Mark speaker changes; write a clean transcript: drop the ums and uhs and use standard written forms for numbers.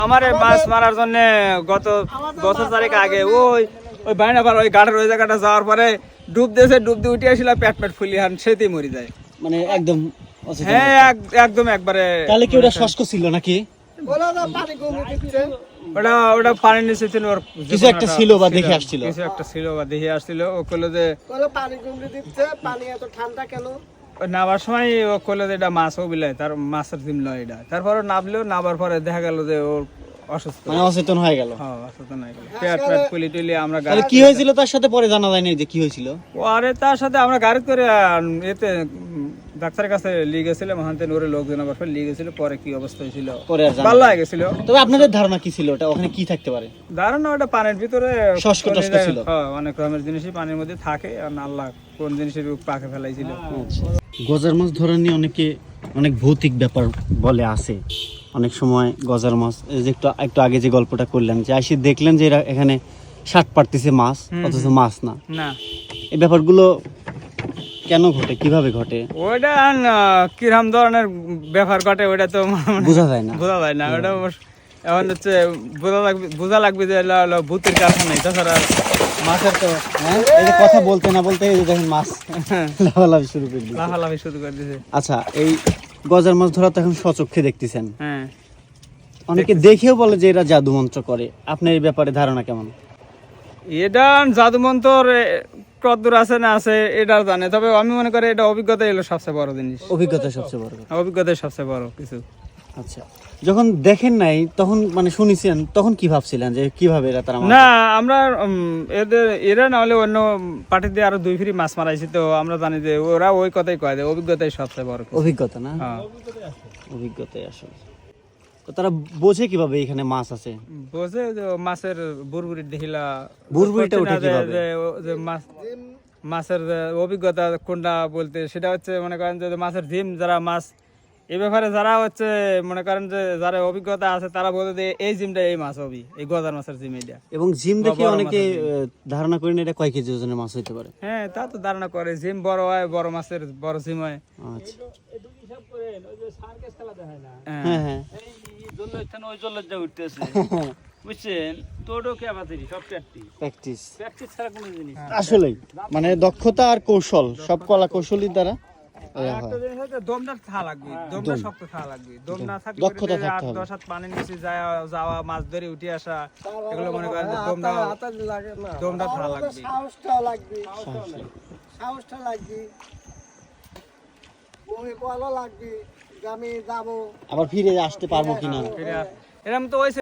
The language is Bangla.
Speaker 1: আমার মাছ মারার জন্য গত বছর চারেক আগে ওই বাইনা পার ওই গাড়ের ওই জায়গাটা যাওয়ার পরে ডুব দিয়ে উঠে আসছিল, পেট ফুলি হান সেতেই মরে যায়।
Speaker 2: মানে একদম
Speaker 1: হ্যাঁ একদম একবারে।
Speaker 2: তাহলে কি ওটা শুষ্ক ছিল নাকি?
Speaker 1: ওটা পানি নিচে ছিল, ওর
Speaker 2: কিছু একটা ছিল বা দেখে আসছিল,
Speaker 1: কিছু একটা ছিল বা দেখে আসছিল। ও কইলো যে
Speaker 3: পানি গুমড়ে দিচ্ছে, পানি এত ঠান্ডা কেন?
Speaker 1: নাবার সময় ও কইলো যে এটা মাছও বিলায়, তার মাছের ডিম লয় এটা। তারপরে নাবার পরে দেখা গেল যে ওর অসুস্থ,
Speaker 2: মানে অচেতন হয়ে গেল।
Speaker 1: হ্যাঁ অসুস্থ হয়ে গেল, পেট ফুলি টুলি। আমরা
Speaker 2: তাহলে কি হয়েছিল তার সাথে পরে জানা যায়নি যে কি হয়েছিল?
Speaker 1: আরে তার সাথে আমরা গাড়ি করে এতে ডাক্তারের কাছে নিয়ে গেছিলাম, ওখান থেকে ওরে লোকজন আবার নিয়ে গেছিল। পরে কি অবস্থা হয়েছিল
Speaker 2: পরে আর জানা
Speaker 1: ভালো হয়ে গেছিল।
Speaker 2: তবে আপনাদের ধারণা কি ছিল ওটা ওখানে কি থাকতে পারে?
Speaker 1: ধারণা ওটা পানির ভিতরে
Speaker 2: শুষ্ক টস্ক ছিল।
Speaker 1: হ্যাঁ, অনেক রকমের জিনিসই পানির মধ্যে থাকে, আর আল্লাহ কোন জিনিসের পাকে ফেলাইছিল।
Speaker 2: গজার মাছ ধরা নিয়ে অনেক ভৌতিক ব্যাপার বলে আছে। অনেক সময় গজার মাছ, এই যে একটু আগে যে গল্পটা করলেন, যে আসি দেখলেন যে এরা এখানে ষাট পারতেছে মাছ, অথচ মাছ না। এই ব্যাপারগুলো কেন ঘটে, কিভাবে ঘটে?
Speaker 1: ওইটা কিরকম ধরনের ব্যাপার ঘটে ওইটা তো
Speaker 2: বোঝা যায় না।
Speaker 1: ওটা এখন হচ্ছে বোঝা লাগবে যে ভূতের কারখানা, তাছাড়া
Speaker 2: মাছের তো এই যে কথা বলতে না বলতে এই যে দেখেন মাছ লাফালাফি শুরু করে দিয়েছে। আচ্ছা, এই গজার মাছ ধরা তো এখন স্বচক্ষে দেখতেছেন।
Speaker 1: হ্যাঁ,
Speaker 2: অনেকে দেখেও বলে যে এরা জাদু মন্ত্র করে। আপনার এই ব্যাপারে ধারণা কেমন?
Speaker 1: এটা জাদু মন্ত্র কতদূর আছে না আছে এটা জানে, তবে আমি মনে করি এটা অভিজ্ঞতা এলো সবচেয়ে বড় জিনিস।
Speaker 2: অভিজ্ঞতাই সবচেয়ে বড় কথা।
Speaker 1: অভিজ্ঞতাই সবচেয়ে বড় কিছু।
Speaker 2: আচ্ছা, যখন দেখেন নাই তখন মানে শুনেছেন, তখন কি ভাবছিলেন যে কিভাবে এরা তারা
Speaker 1: না আমরা এরা না হলে অন্য পার্টি দিয়ে আরো 2 ফিরি মাছ মারাইছি, তো আমরা জানি যে ওরা ওই কথাই কয় যে অভিজ্ঞতাই সবচেয়ে বড় কিছু।
Speaker 2: অভিজ্ঞতা না?
Speaker 1: হ্যাঁ,
Speaker 2: অভিজ্ঞতাই আসলে। তো তারা বোঝে কিভাবে এখানে মাছ আছে?
Speaker 1: বোঝে যে মাছের বুরবুরি দেখিলা,
Speaker 2: বুরবুরিটা উঠে কিভাবে?
Speaker 1: যে মাছের যে অভিজ্ঞতা কোনটা বলতে, সেটা হচ্ছে মনে করেন যে মাছের জিম, যারা মাছ এই ব্যাপারে যারা হচ্ছে মনে করেন যে যারা অভিজ্ঞতা আছে, তারা বলে যে এই জিমটা এই মাছ হবে, এই গজার মাছের জিম এটা।
Speaker 2: এবং জিম দেখে অনেকে ধারণা করেন এটা কয় কেজি ওজনের মাছ হইতে পারে।
Speaker 1: হ্যাঁ, তা তো ধারণা করে, জিম বড় হয়, বড় মাছের বড় জিম হয়।
Speaker 2: আচ্ছা,
Speaker 1: হ্যাঁ,
Speaker 2: হ্যাঁ,
Speaker 1: বুঝছেন, তোরও কে বাতিরি সব
Speaker 2: প্র্যাকটিস
Speaker 1: ছাড়া কোনো জিনিস।
Speaker 2: আসলেই মানে দক্ষতা আর কৌশল, সব কলা কৌশলী দ্বারা
Speaker 1: একটা জিনিস হচ্ছে দমটা থাকা লাগবে, দমটা শক্ত থাকা লাগবে। দম না থাকলে
Speaker 2: দক্ষতা থাকতে হবে।
Speaker 1: 10 হাত পানির নিচে যাওয়া মাছ ধরে উঠে আসা, এগুলো মনে করেন যে দমটা থাকা লাগবে।
Speaker 3: সাহসটা লাগবে, বমি বলা লাগবে যে আমি যাবো,
Speaker 2: আবার ফিরে আসতে পারবো কিনা।
Speaker 1: এরকম তো ওই